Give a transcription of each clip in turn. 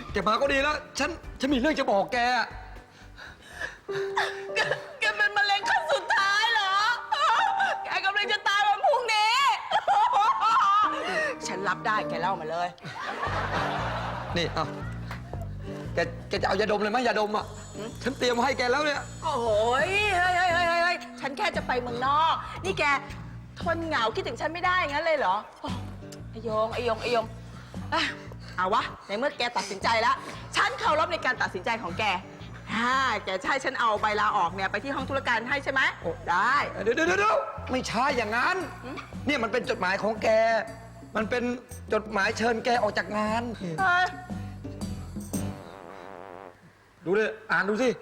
แกมาก็ดีแล้ว ฉันมีเรื่องจะบอกแกแกเป็นมะเร็งขั้นสุดท้ายเหรอ แกกำลังจะตายวันพรุ่งนี้ ฉันรับได้แกเล่ามาเลยนี่เอาแกจะเอายาดมเลยไหมยาดมอ่ะ ฉันเตรียมมาให้แกแล้วเนี่ยโอ้โหเฮ้ยฉันแค่จะไปเมืองนอก นี่แกทนเหงาคิดถึงฉันไม่ได้งั้นเลยเหรอโอ้ไอยงอ่ะเอาวะ ในเมื่อแกตัดสินใจแล้ว ฉันเคารพในการตัดสินใจของแกแกจะให้ฉันเอาใบลาออกเนี่ยไปที่ห้องธุรการให้ใช่ไหมโอ้ได้เดี๋ยวไม่ใช่อย่างนั้น เนี่ยมันเป็นจดหมายของแก มันเป็นจดหมายเชิญแกออกจากงาน ดูเลยอ่านดูสิ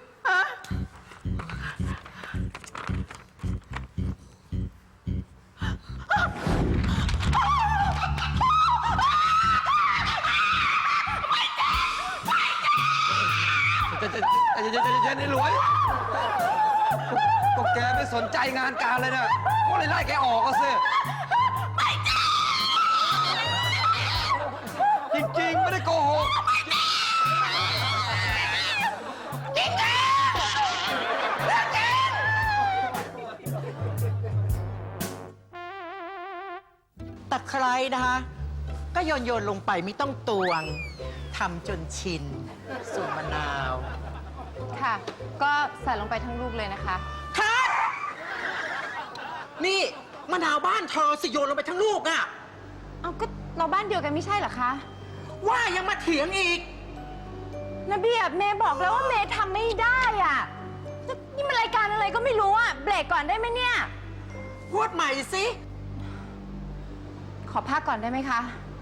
จะในหลวยก็แกไม่สนใจงานการเลยนะก็เลยไล่แกออกก็สิจริงๆ ไม่ได้โกหกตะไคร้นะคะก็โยนลงไปไม่ต้องตวงทำจนชินส่วนมะนาวค่ะ ก็ใส่ลงไปทั้งลูกเลยนะคะคัดนี่มะนาวบ้านเธอสิโยนลงไปทั้งลูกอะเอาก็เราบ้านเดียวกันไม่ใช่เหรอคะว่ายังมาเถียงอีกนะเบียบเมย์บอกแล้วว่าเมย์ทำไม่ได้อ่ะนี่มันรายการอะไรก็ไม่รู้อ่ะ เบรกก่อนได้ไหมเนี่ยพูดใหม่สิขอพักก่อนได้ไหมคะ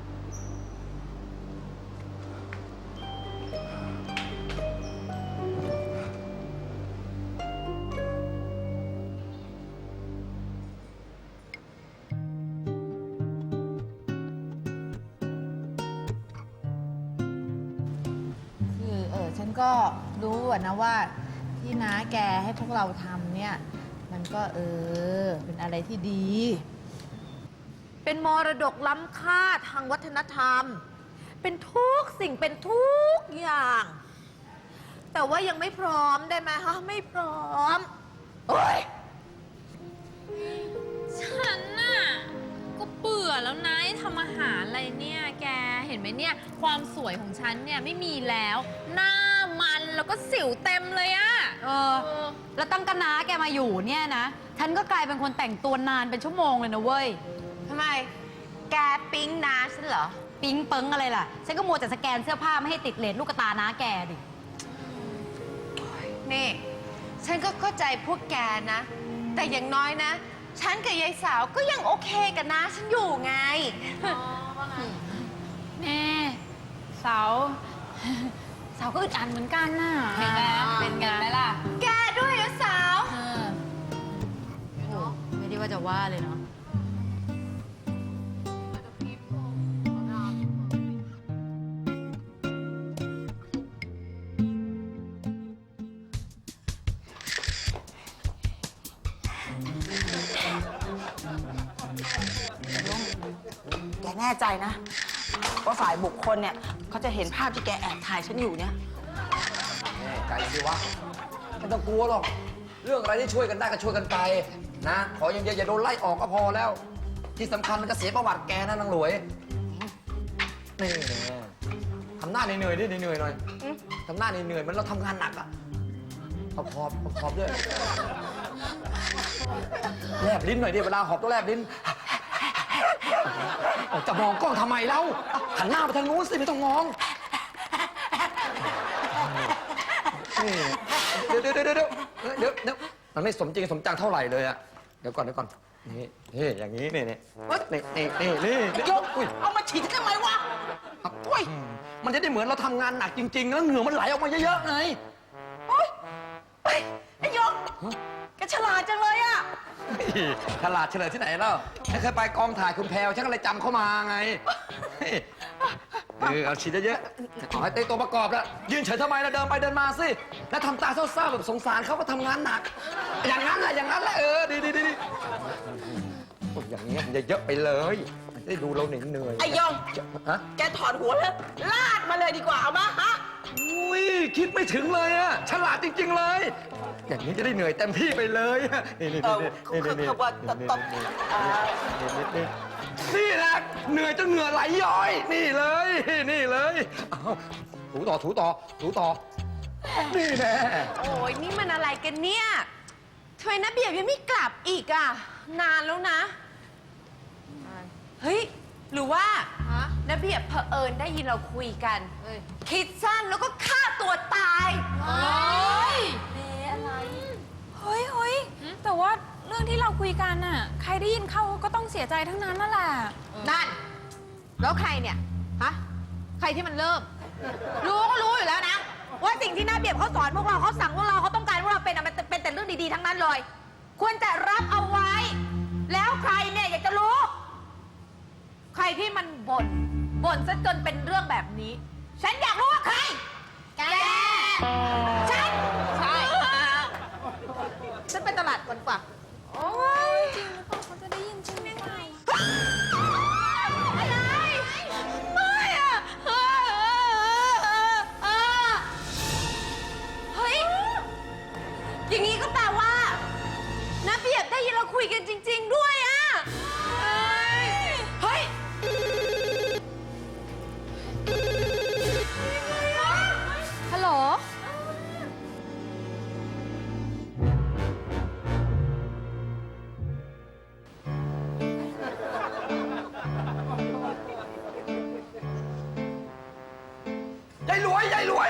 คือฉันก็รู้อะนะว่าที่น้าแกให้พวกเราทำเนี่ย มันก็เป็นอะไรที่ดี เป็นมรดกล้ำค่าทางวัฒนธรรม เป็นทุกสิ่งเป็นทุกอย่าง แต่ว่ายังไม่พร้อมได้ไหมฮะไม่พร้อมโอ๊ยฉันน่ะก็เบื่อแล้วนะทำอาหารอะไรเนี่ยแกเห็นไหมเนี่ยความสวยของฉันเนี่ยไม่มีแล้ว หน้ามันแล้วก็สิวเต็มเลยอะแล้วตั้งกะน้าแกมาอยู่เนี่ยนะ ฉันก็กลายเป็นคนแต่งตัวนานเป็นชั่วโมงเลยนะเว้ยทำไม แกปิ๊งนาฉันเหรอปิ๊งเปิงอะไรล่ะ ฉันก็มัวแต่สแกนเสื้อผ้าไม่ให้ติดเลทลูกตาน้าแกดินี่ ฉันก็เข้าใจพวกแกนะ แต่อย่างน้อยนะ ฉันกับยายสาวก็ยังโอเคกับน้าฉันอยู่ไงแม่เสาเสาก็อึดอัดเหมือนกันน่ะเห็นไหมเป็นไงล่ะแกด้วยยายสาวโอ้ไม่ได้ว่าจะว่าเลยเนาะแกแน่ใจนะว่าฝ่ายบุคคลเนี่ยเขาจะเห็นภาพที่แกแอบถ่ายฉันอยู่เนี่ยแน่ใจสิวะไม่ต้องกลัวหรอก เรื่องอะไรที่ช่วยกันได้ก็ช่วยกันไปนะ ขออย่างเดียวอย่าโดนไล่ออกก็พอแล้ว ที่สำคัญมันก็เสียประวัติแกนะนางหลวย นี่ทำหน้าเหนื่อยๆดิเหนื่อยๆหน่อยทำหน้าเหนื่อยๆเหมือนเราทำงานหนักอะเอาพอบด้วยแลบลิ้นหน่อยดิเวลาหอบต้องแลบลิ้นจะมองกล้องทำไมเล่าหันหน้าไปทางนู้นสิไม่ต้องมองนี่เดี๋ยวมันไม่สมจริงสมจังเท่าไหร่เลยอะเดี๋ยวก่อนนี่อย่างนี้นี่ยกเอามาฉีดทำไมวะมันจะได้เหมือนเราทำงานหนักจริงๆแล้วเหงื่อมันไหลออกมาเยอะๆไงไอ้ยกแกฉลาดจังเลยอะฉลาดเฉลยที่ไหนแล้วฉันเคยไปกองถ่ายคุณแพรวฉันก็เลยจำเข้ามาไงเอาฉีดเยอะๆเอาให้เต็มตัวประกอบแล้วยืนเฉยทำไมล่ะเดินไปเดินมาสิแล้วทำตาเศร้าๆแบบสงสารเขาก็ทำงานหนัก อย่างนั้นแหละดีอย่างนี้มันจะเยอะไปเลยได้ดูเราเหนื่อยๆไอ้ยองฮะแกถอดหัวแล้วลาดมาเลยดีกว่าเอามาฮะอุ้ยคิดไม่ถึงเลยอะฉลาดจริง ๆ เลย อย่างนี้จะได้เหนื่อยเต็มที่ไปเลยนี่นี่คือว่าตบนี่แหละเหนื่อยจนเหงื่อไหลย้อย นี่เลยนี่เลยเอาถูต่อถูต่อถูต่อนี่แน่โอ้ยนี่มันอะไรกันเนี่ยทำไมนะเบียบยังไม่กลับอีกอะนานแล้วนะ เฮ้ย หรือว่านะเบียบเผอิญได้ยินเราคุยกัน คิดสั้นแล้วก็ฆ่าตัวตายเฮ้ย แต่ว่าเรื่องที่เราคุยกันน่ะ ใครได้ยินเข้าก็ต้องเสียใจทั้งนั้นนั่นแหละนั่น แล้วใครเนี่ย ฮะ ใครที่มันเริ่ม รู้ก็รู้อยู่แล้วนะ ว่าสิ่งที่น้าเบียบเขาสอนพวกเราเขาสั่งพวกเราเขาต้องการพวกเราเป็นอะมันเป็นแต่เรื่องดีๆทั้งนั้นเลย ควรจะรับเอาไว้ แล้วใครเนี่ยอยากจะรู้ ใครที่มันบ่นซะจนเป็นเรื่องแบบนี้ ฉันอยากรู้ว่าใคร แก ฉัน ใช่ ฉันไปตลาดก่อนกว่าโอ้ยจริงหรือเปล่าเขาจะได้ยินใช่ไหมอะไร ไม่อะเฮ้ย อย่างนี้ก็แปลว่านะเบียบได้ยินเราคุยกันจริง ๆ ด้วยอะเฮ้ยฮัลโหลยายหลวยยายหลวย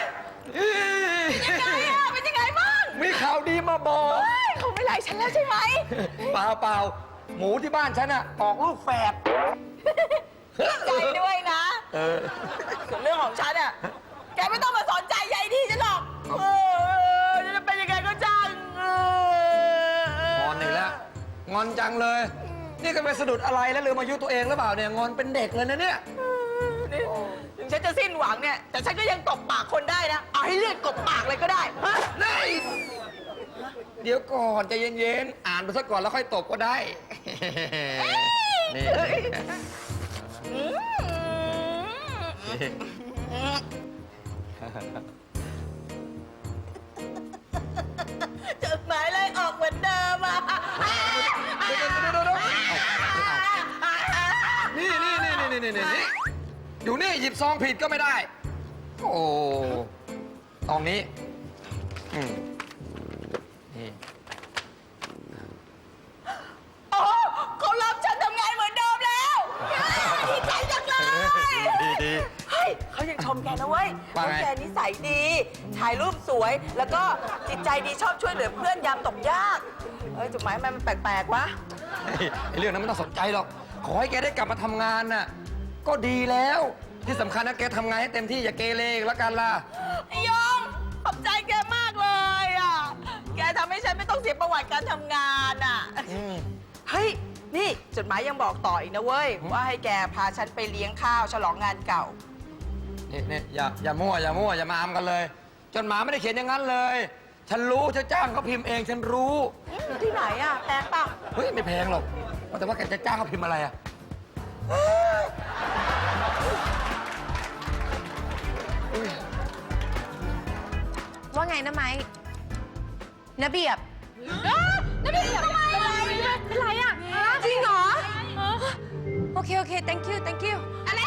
เป็นยังไงบ้างมีข่าวดีมาบอกเขาไม่ไล่ฉันแล้วใช่ไหมเปล่าหมูที่บ้านฉันอะออกลูกแฝดใจด้วยนะเออส่วนเรื่องของฉันอ่ะ แกไม่ต้องมาสนใจใยดีฉันหรอกจะเป็นยังไงก็ช่างงอนอีกแล้วงอนจังเลย นี่ก็ไปสะดุดอะไรแล้วลืมอายุตัวเองหรือเปล่าเนี่ยงอนเป็นเด็กเลยนะเนี่ยนี่ถึงฉันจะสิ้นหวังเนี่ย แต่ฉันก็ยังตบปากคนได้นะ เอาให้เลือดกบปากเลยก็ได้ฮะนี่เดี๋ยวก่อนใจเย็นๆ อ่านไปซะก่อนแล้วค่อยตบก็ได้ นี่จดหมายไล่ออกเหมือนเดิมอ่ะเดี๋ยวนี่อยู่นี่หยิบซองผิดก็ไม่ได้ โอ้ตองนี้นี่โอ้เขารับฉันทำงานเหมือนเดิมแล้วดีใจจังเลยดีเฮ้ยเขายังชมแกนะเว้ยว่าไงแกนิสัยดี ถ่ายรูปสวย แล้วก็จิตใจดีชอบช่วยเหลือเพื่อนยามตกยากจดหมายมันแปลกๆวะไอ้เรื่องนั้นไม่ต้องสนใจหรอก ขอให้แกได้กลับมาทำงานน่ะ ก็ดีแล้ว ที่สำคัญนะแกทำงานให้เต็มที่อย่าเกเรอีกแล้วกันล่ะไอ้ยงขอบใจแกมากเลยอ่ะ แกทำให้ฉันไม่ต้องเสียประวัติการทำงานอ่ะ เฮ้ย นี่จดหมายยังบอกต่ออีกนะเว้ย ว่าให้แกพาฉันไปเลี้ยงข้าวฉลองงานเก่านี่อย่ามั่วอย่ามาอำกันเลย จนหมาไม่ได้เขียนอย่างนั้นเลย ฉันรู้ฉันจ้างเขาพิมพ์เองฉันรู้ที่ไหนอ่ะแพงเปล่าเฮ้ยไม่แพงหรอกว่าแต่ว่าแกจะจ้างเขาพิมพ์อะไรอะว่าไงนะไม้นะเบียบแล้วนี่ทำไมอะเป็นไรอ่ะจริงเหรอ โอเค thank you อะไร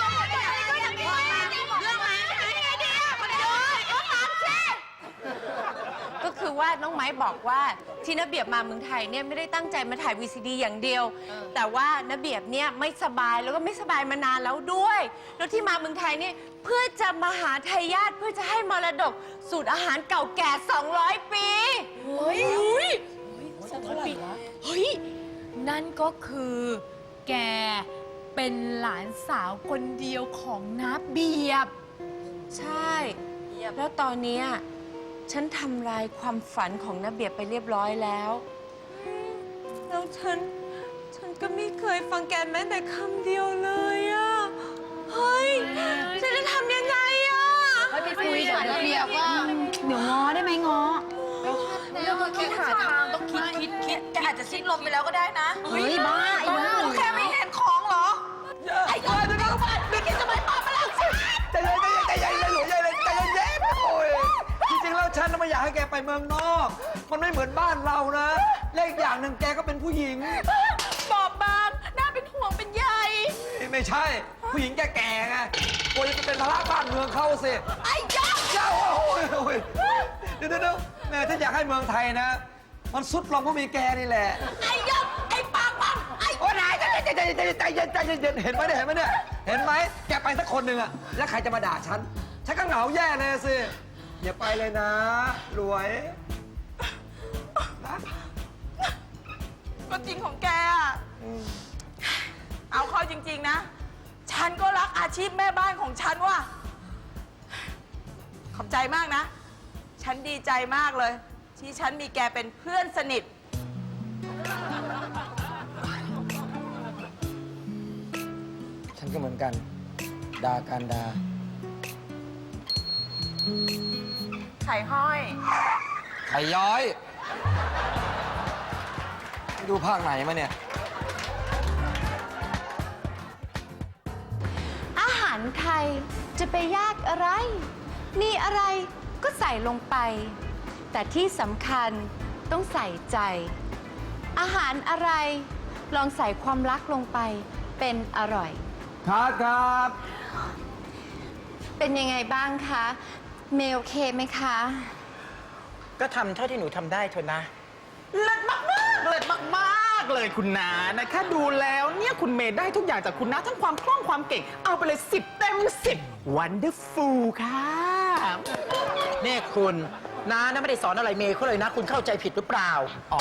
ก็คือว่าน้องไม้บอกว่าที่นเบียบมาเมืองไทยเนี่ยไม่ได้ตั้งใจมาถ่าย VCD อย่างเดียว แต่ว่านเบียบเนี่ยไม่สบายแล้วก็ไม่สบายมานานแล้วด้วย แล้วที่มาเมืองไทยเนี่ยเพื่อจะมาหาทายาทเพื่อจะให้มรดกสูตรอาหารเก่าแก่ 200 ปีเฮ้ยเฮ้ย นั่นก็คือ แกเป็นหลานสาวคนเดียวของน้าเบียบใช่ แล้วตอนเนี้ยฉันทำลายความฝันของนเบียบไปเรียบร้อยแล้วแล้วฉันก็ไม่เคยฟังแกแม้แต่คำเดียวเลยอะเฮ้ย ฉันจะทำยังไงอะไปคุยกับระเบียบว่าเดี๋ยวง้อได้ไหมง้อเรื่องคิดหาทางต้องคิดแกอาจจะสิ้นลมไปแล้วก็ได้นะเฮ้ยบ้าไอ้บ้าแค่ไม่เห็นของเหรอไปเมืองนอก มันไม่เหมือนบ้านเรานะและอีกอย่างหนึ่งแกก็เป็นผู้หญิงบอบบางน่าเป็นห่วงเป็นใยไม่ใช่ ผู้หญิงแก่ๆไงกลัวจะเป็นภาระบ้านเมืองเขาสิไอ้ยองเจ้าโอ้ยเดี๋ยวแม่ฉันอยากให้เมืองไทยนะ มันสุดลงเพราะมีแกนี่แหละไอ้ยองไอ้ปากมันไอ้โอ้ยนายใจเย็นเห็นไหมเนี่ยเห็นไหมแกไปสักคนหนึ่งอะแล้วใครจะมาด่าฉันฉันก็เหงาแย่เลยสิอย่าไปเลยนะรวยนะก็จริงของแกอะเอาเข้าจริง ๆ นะ ฉันก็รักอาชีพแม่บ้านของฉันว่ะขอบใจมากนะ ฉันดีใจมากเลย ที่ฉันมีแกเป็นเพื่อนสนิทฉันก็เหมือนกันด่ากันด่าไข่ห้อยไข่ย้อย ดูภาคไหนมาเนี่ยอาหารไทยจะไปยากอะไร มีอะไรก็ใส่ลงไป แต่ที่สำคัญต้องใส่ใจ อาหารอะไรลองใส่ความรักลงไปเป็นอร่อยครับเป็นยังไงบ้างคะเมลโอเคไหมคะก็ทำเท่าที่หนูทำได้เถอะนะ เลิศมากๆเลิศมากๆเลยคุณนานะคะดูแล้วเนี่ยคุณเมย์ได้ทุกอย่างจากคุณนาทั้งความคล่องความเก่ง เอาไปเลย10 เต็ม 10 Wonderful ค่ะเนี่ยคุณน้านะไม่ได้สอนอะไรเมย์เขาเลยนะ คุณเข้าใจผิดหรือเปล่า อ๋อ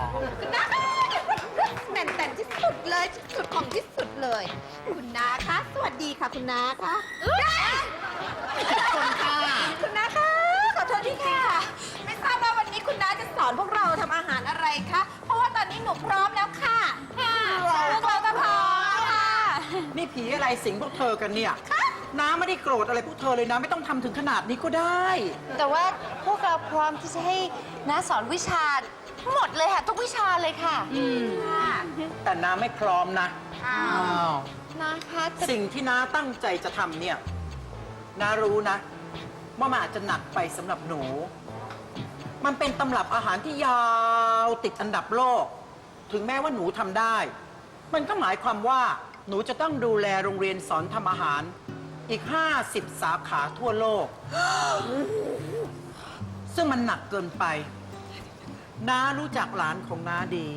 แหม่นแต่นที่สุดเลยที่สุดของที่สุดเลย คุณนาคะ สวัสดีค่ะคุณนาคะคนค่ะคุณนาคะ ขอโทษทีค่ะ ไม่ทราบว่าวันนี้คุณนาจะสอนพวกเราทำอาหารอะไรคะ เพราะว่าตอนนี้หนูพร้อมแล้วค่ะพวกเราก็พร้อมค่ะนี่ผีอะไรสิงพวกเธอกันเนี่ยน้าไม่ได้โกรธอะไรพวกเธอเลยนะไม่ต้องทำถึงขนาดนี้ก็ได้แต่ว่าพวกเราพร้อมที่จะให้น้าสอนวิชาหมดเลยค่ะ ทุกวิชาเลยค่ะแต่น้าไม่พร้อมนะอ้าวนะคะแต่สิ่งที่น้าตั้งใจจะทำเนี่ยน้ารู้นะ ว่ามันอาจจะหนักไปสำหรับหนู มันเป็นตำรับอาหารที่ยาวติดอันดับโลก ถึงแม้ว่าหนูทำได้ มันก็หมายความว่าหนูจะต้องดูแลโรงเรียนสอนทำอาหาร อีก 50 สาขาทั่วโลก ซึ่งมันหนักเกินไป น้ารู้จักหลานของน้าดี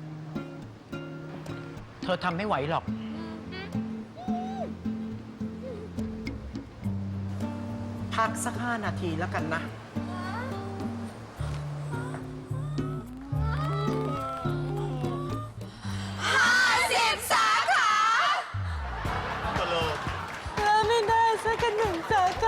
เธอทำไม่ไหวหรอก พักสัก5 นาทีแล้วกันนะ 50 สาขาไม่ได้สัก1 สาข